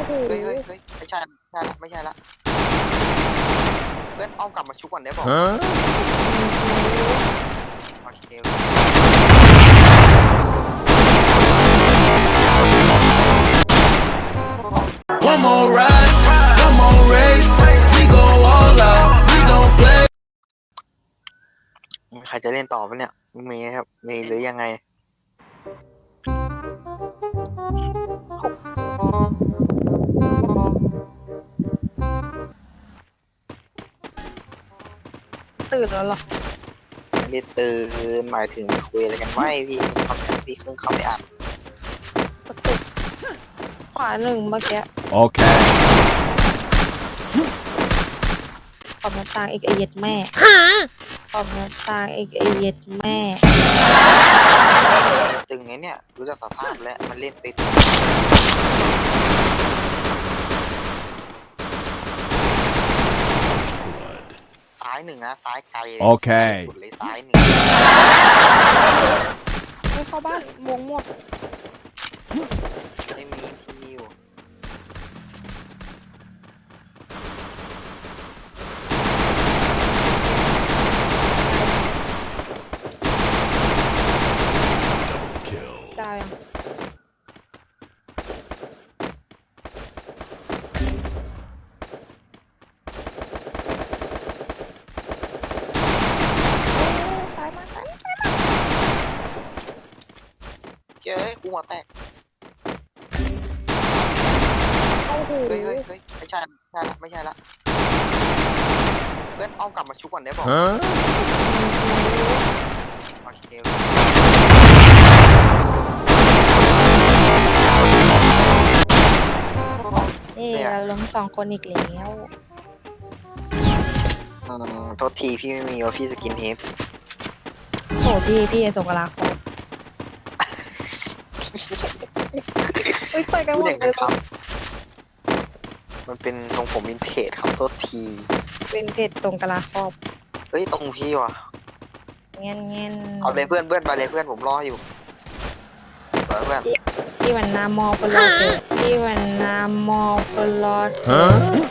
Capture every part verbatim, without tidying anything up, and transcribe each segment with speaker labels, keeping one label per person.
Speaker 1: โห
Speaker 2: เฮ้ยเฮ้ยเฮ้ยไม่ใช่ไม่ใช่ละไม่ใช่ละเพื่อนอ้อมกลับมาชุบก่อนได้บอกโอเค
Speaker 3: One more ride, one more race. We go all out, we don't play.
Speaker 2: ใครจะเล่นต่อปะเนี่ยมีครับมีหรือยังไง
Speaker 1: ตื่นแล้วเหรอ
Speaker 2: ไม่ได้ตื่นหมายถึงคุยอะไรกันไม่พี่คำนี้พี่เพิ่งเข้าไปอ่าน
Speaker 1: ก็ตึกขวาหนึ่งเมื่อกี้
Speaker 3: Okay.
Speaker 1: ขอบหน้าต่างอีกไอเย็ดแม่ขอบหน้าต่างอีกไอเย็ดแม่
Speaker 2: ตึงไงเนี่ยรู้จักสภาพแล้วมันเล่นไปซ้ายหนึ่งนะซ้ายไกล
Speaker 3: โอเค
Speaker 2: สุดเลยซ้ายหนึ่ง
Speaker 1: ไม่เข้าบ้านวงหมด
Speaker 2: ไม่มีที่มีอยู่
Speaker 1: ดาวยังซ้ายมาซ้ายมาซ้ายมา
Speaker 2: เจ้ยกูหัวแตก
Speaker 1: โอ้โห
Speaker 2: เฮ้ยเฮ้ยเฮ้ยไม่ใช่ไม่ใช่ละไม่ใช่ละเพื่อนอ้อมกลับมาชุบก่อนได้บอก
Speaker 3: Huh?
Speaker 2: โอเค
Speaker 1: เอ้เราล้มสองคนอีกแล้ว
Speaker 2: อืมโทษทีพี่ไม่มีว่าพี่สกินเฮด
Speaker 1: โหพี่พี่ส่งกระลาโคตรเฮ้ยไปกันหม
Speaker 2: พูด
Speaker 1: ด
Speaker 2: อย่าง
Speaker 1: เล
Speaker 2: นั้
Speaker 1: ย
Speaker 2: นครับมันเป็นทรงผมวินเทจครับโทษที
Speaker 1: เป็นเท็ดตรงกระลาครอบ
Speaker 2: เฮ้ยตรงพี่ว่ะ
Speaker 1: เงี้ยเงี้ย
Speaker 2: เอาเลยเพื่อนเพื่อนไปเลยเพื่อนผมรออยู่เพื่อนเพื่อน
Speaker 1: พี่วันนามอปลอดเถอะพี่วันนามอปลอด
Speaker 3: Huh?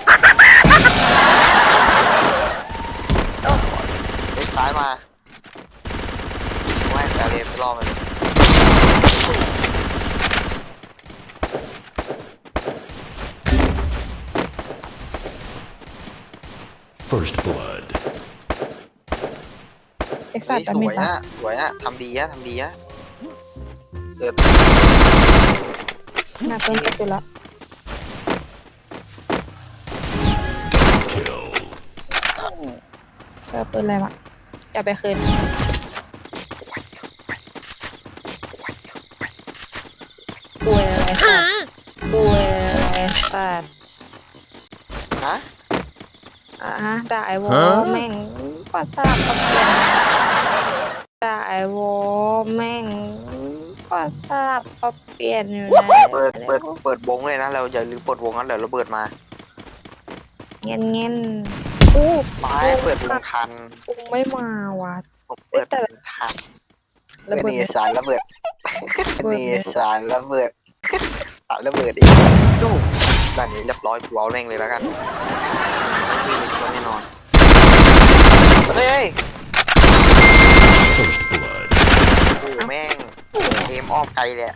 Speaker 2: เฮ้ยซ้ายมาไม่ไปเลยไปรอมาเลย
Speaker 3: First blood.
Speaker 1: เอ็กซ์
Speaker 2: เฮ้
Speaker 1: ต
Speaker 2: ย
Speaker 1: ร้า
Speaker 2: ส
Speaker 1: แป๊บนึ
Speaker 2: ว
Speaker 1: ง
Speaker 2: ย
Speaker 1: ปะ
Speaker 2: อะสวยอะทำดีอะทำดีอะเกิด
Speaker 1: หน้าเพิ่มไปตัวละ
Speaker 3: Kill.
Speaker 1: เออปืนอะไรวะอย่าไปคืนป่วยอะไรสัตว์ป่วยอะไรสัตว์
Speaker 2: ฮะ
Speaker 1: อ่ะฮะด่าไอวอ
Speaker 3: ฮะ
Speaker 1: แม่งประสาทประเปลี่ยนด่าไอวอแม่งประสาทประเปลี่ยนอยู่นะ
Speaker 2: เปิดเปิดเปิดวงเลยนะเราอย่าลืมเปิดวงนั้นเดี๋ยวระเบิดมา
Speaker 1: เงี้ยเงี้ยอู้
Speaker 2: ไปเปิดวงทัน
Speaker 1: กูไม่มาว่ะ
Speaker 2: ผมเปิดวงทัน
Speaker 1: ระ
Speaker 2: เป็น
Speaker 1: เบิด
Speaker 2: เอสารระเบิด
Speaker 1: ระ
Speaker 2: เป็น
Speaker 1: เบิด
Speaker 2: เอสารระเบิดสารระเบิดอีกดูด้านนี้เรียบร้อยกูเอาแรงเลยแล้วกันไม่มีคนแน่นอนเฮ้ย
Speaker 3: First blood.
Speaker 2: โอ้แม่งเกมอ้อมไกลเลยอะ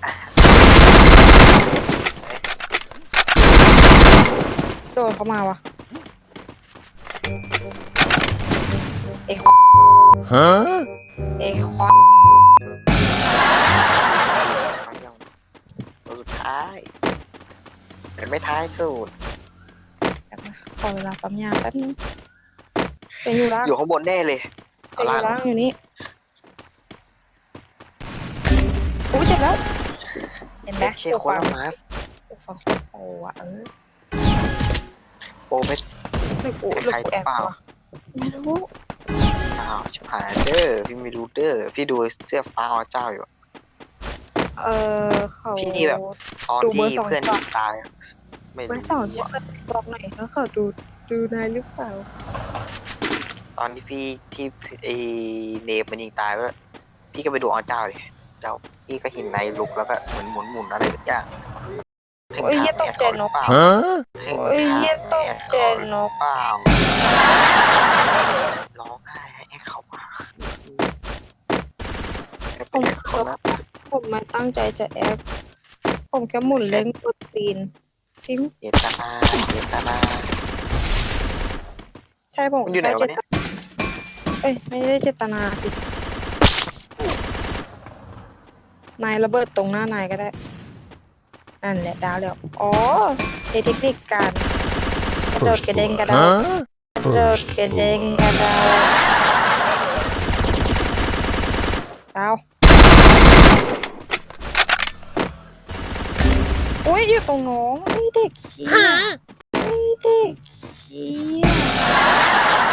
Speaker 1: โดนเขามาว่ะเอ้
Speaker 3: Huh?
Speaker 1: เอ้ควา
Speaker 2: ตัวสุดท้ายเป็นไม่ท้ายสุด
Speaker 1: แบบนะขอเวลาปั๊มยาแป๊บนึงจะอยู่ล่าง
Speaker 2: อยู่ข้างบนแน่เลย
Speaker 1: จะอยู่ล่างอยู่นี่อุ้ยเจ็บแล้ว เห็นไหม
Speaker 2: เชี่ย
Speaker 1: ตัว
Speaker 2: โค
Speaker 1: ฟั
Speaker 2: น
Speaker 1: ง
Speaker 2: ละมาส
Speaker 1: ตัวฟังโอ้อะเออ
Speaker 2: โปรเมส
Speaker 1: หรือกูหรือกูแอบวะไม่รู้
Speaker 2: อ้าวชิบหายเด้อพี่ไม่รู้เด้อพี่ดูเสื้อฟ้าอ๋อเจ้าอยู่
Speaker 1: เออเขา
Speaker 2: พี่แบบ ตอน
Speaker 1: ดูเบอ
Speaker 2: ที่
Speaker 1: ร์สอง
Speaker 2: เพื่อน
Speaker 1: ก่อน
Speaker 2: ตายอะไม่
Speaker 1: เบอ
Speaker 2: รู้
Speaker 1: ร์สองจะเปิดบอกหน่อยแล้วเขาดูดูนายหรือเปล่า
Speaker 2: ตอนที่พี่ที่ไอเนมมันยิงตายแล้วพี่ก็ไปดูอ๋อเจ้าเลยเจ้าพี่ก็เห็นในลุกแล้วก็เหมือนหมุนหมุนๆอะไรสักอย่าง
Speaker 1: โอ้ยเหี้ยตกใจนก
Speaker 2: เปล่า
Speaker 3: Huh?
Speaker 1: โอ้ยเหี้ยตกใจนก
Speaker 2: เปล่าร้องไห้ให้แอคเขาว่าแอคเป็นแอคเขานะ
Speaker 1: ผมไม่ตั้งใจจะแอคผมแค่หมุนเล่นกดตีนทิ้ง
Speaker 2: เจตนาเจตนา
Speaker 1: ใช่ผม
Speaker 2: มันอยู่ไหน
Speaker 1: แค่
Speaker 2: วะ
Speaker 1: เจ
Speaker 2: เนี่ย
Speaker 1: ตเอ้ยไม่ได้เจตนาสินายระเบิดตรงหน้านายก็ได้ นั่นแหละดาวแล้วอ๋อเทคนิคการกระโดดกระเด้งกระดาว
Speaker 3: Huh?
Speaker 1: กระโดดกระเด้งกระดาวดาวอุ้ยอยู่ตรงน้องไอ้เด็กเหี้ยไอ้เด็กเหี้ย